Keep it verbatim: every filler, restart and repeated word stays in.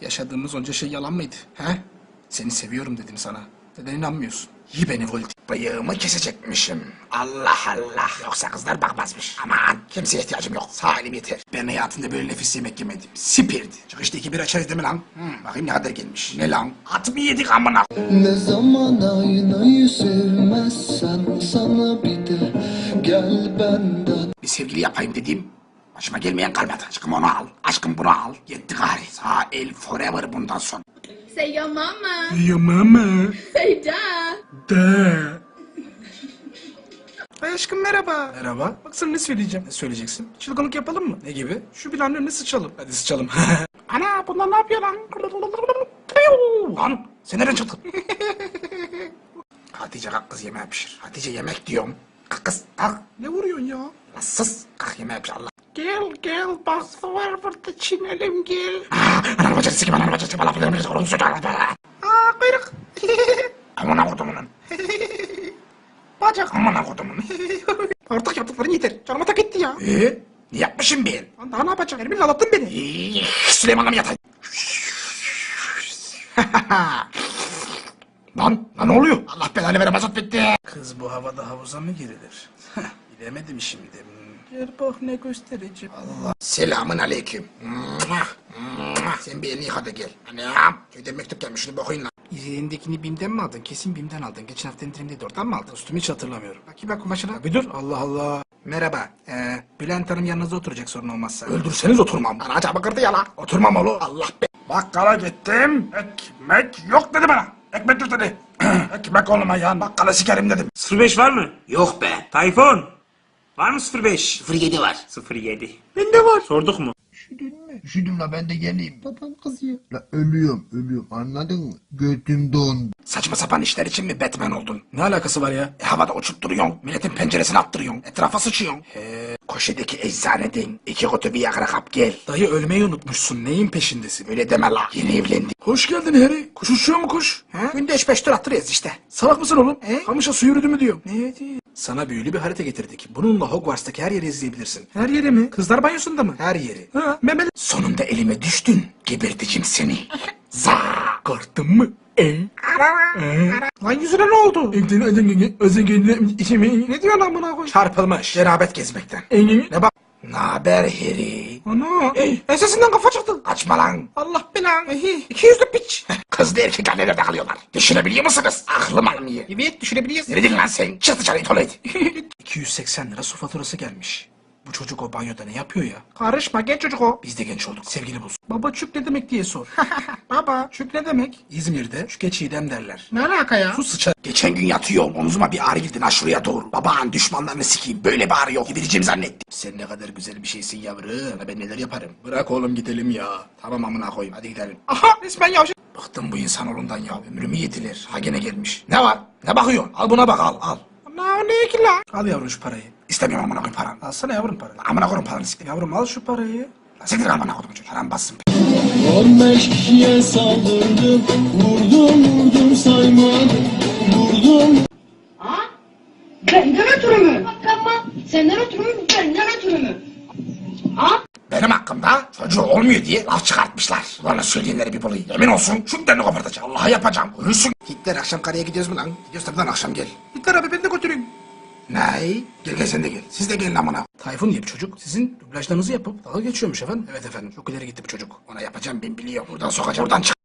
Yaşadığımız onca şey yalan mıydı? He? Seni seviyorum dedim sana. Neden inanmıyorsun? Yi beni Volti. Bıyığımı kesecekmişim. Allah Allah. Yoksa kızlar bakmazmış. Aman kimseye ihtiyacım yok. Sağ elim yeter. Ben hayatımda böyle nefis yemek yemedim. Sipirdi. Çıkışta iki bir açarız değil mi lan? Hmm, bakayım ne kadar gelmiş. Ne lan? At mı yedik amına? Ne zaman aynayı sevmezsen sana bir de gel benden. Bir sevgili yapayım dediğim başıma gelmeyen kalmadı. Aşkım onu al. Aşkım bunu al. Yetti gari. Sağ el forever bundan sonra. Say your mama. Ya mama. Say da. Da. Ay aşkım merhaba. Merhaba. Bak sana ne söyleyeceğim. Ne söyleyeceksin? Çılgınlık yapalım mı? Ne gibi? Şu binanın önüne sıçalım. Hadi sıçalım. Ana bunlar ne yapıyor lan? Lan sen nereden çıktın? Hatice kalk kız yemeğe pişir. Hatice yemek diyorum. Kalk kız kalk. Ne vuruyorsun ya? Lan sus. Kalk yemeğe pişir Allah. Gel gel bak var burada çinelim gel. Aaa ananı bacası sikim ananı bacası sikim. Allah bilir bilir oğlum söyle. Aaa kuyruk. Amına kodumunun. Bacak amına kodumunun. Artık yaptıkların yeter. Canıma tak etti ya. Eee? Ne yapmışım ben? Lan daha ne yapacağım? Elbirle ağlattın beni. Eee, Süleyman'la mı yatayım? Lan, lan ne oluyor? Allah belanı veremez ot bitti. Kız bu havada havuza mı girilir? Bilemedim şimdi. Gel bak ne göstereceğim. Allah. Selamın aleyküm. Sen bir elini yıka da gel. Anam. Köyden mektup gelmiş şunu bir okuyun lan. İzlerindekini BİM'den mi aldın? Kesin BİM'den aldın. Geçen hafta indirimdeydi oradan mı aldın? Üstümü hiç hatırlamıyorum. Bakayım bak kumaşına. Bir dur. Allah Allah. Merhaba. Ee, Bülent Hanım yanınızda oturacak sorun olmazsa. Öldürseniz oturmam. Ana acaba kırdı ya la. Oturmam oğlum. Allah be. Bakkala gittim. Ekmek yok dedi bana. Ekmek yok dedi. Ekmek olma ya. Bakkala sikerim dedim. sıfır beş var mı? Yok be. Tayfun. Var mı sıfır beş? sıfır yedi var. sıfır yedi. Bende var. Sorduk mu? Üşüdüm la ben de geleyim. Babam kızıyor. La ölüyorum ölüyorum anladın mı? Götüm dondu. Saçma sapan işler için mi Batman oldun? Ne alakası var ya? E, havada uçup duruyorsun. Milletin penceresine attırıyorsun. Etrafa sıçıyorsun. He. Koşedeki eczaneden iki kutu Viagra kap gel. Dayı ölmeyi unutmuşsun. Neyin peşindesin? Öyle deme la. Yeni evlendik. Hoş geldin Harry. Kuş uçuyor mu kuş? He? Günde üç beş tur attırıyoruz işte. Salak mısın oğlum? He? Kamışa su yürüdü mü diyorum. Ne diyor? Sana büyülü bir harita getirdik. Bununla Hogwarts'taki her yeri izleyebilirsin. Her yeri mi? Kızlar banyosunda mı? Her yeri. Ha, memeli. Sonunda elime düştün. Geberteceğim seni. Za. Korktun mu? E? E? Lan yüzüne ne oldu? Ne diyorsun amına koy? Çarpılmış. Cenabet gezmekten. Ne bak? Naber Harry? Ana. Ey, ensesinden kafa çıktı. Kaçma lan. Allah belanı. İki yüzlü piç. Kızlı erkek annelerde kalıyorlar. Düşünebiliyor musunuz? Aklım almıyor. Evet düşünebiliyorsun. Neredin lan sen? Çık dışarı tuvalet. iki yüz seksen lira su faturası gelmiş. Bu çocuk o banyoda ne yapıyor ya? Karışma genç çocuk o. Biz de genç olduk. Sevgili bulsun. Baba çük ne demek diye sor. Baba çük ne demek? İzmir'de çüke çiğdem derler. Ne alaka ya? Su sıçar. Geçen gün yatıyorum. Omzuma bir ağrı girdi. Ha şuraya doğru. Babanın düşmanlarını sikeyim. Böyle bir ağrı yok. Gidireceğim zannettim. Sen ne kadar güzel bir şeysin yavrum. Ben neler yaparım. Bırak oğlum gidelim ya. Tamam amına koyayım. Hadi gidelim. Aha resmen yavşak. Bıktım bu insanoğlundan ya. Ömrümü yediler. Ha gene gelmiş. Ne var? Ne bakıyorsun? Al buna bak al al. Ana ne ki la? Al yavrum şu parayı. İstemiyorum amına koyayım paranı. Alsana yavrum paranı. Amına koyayım paranı siktir. Yavrum al şu parayı. La siktir amına koyayım çocuğum. Param bassın. On beş kişiye saldırdım. Vurdum vurdum saymadım. Vurdum. Ha? Benden ötürü mü? Kapma. Senden ötürü mü? Benden ötürü mü? Ha? Benim hakkımda çocuğu olmuyor diye laf çıkartmışlar. Bana söyleyenleri bir bulayım. Emin olsun şunlarını kopartacağım. Allah'a yapacağım. Ölürsün. Hitler akşam karaya gidiyoruz mu lan? Gidiyoruz tabii lan akşam gel. Hitler abi ben de götüreyim. Ney? Gel gel sen de gel. Siz de gelin amına. Tayfun diye bir çocuk sizin dublajlarınızı yapıp dalga geçiyormuş efendim. Evet efendim. Çok ileri gitti bu çocuk. Ona yapacağım ben biliyorum. Buradan sokacağım. Buradan çık.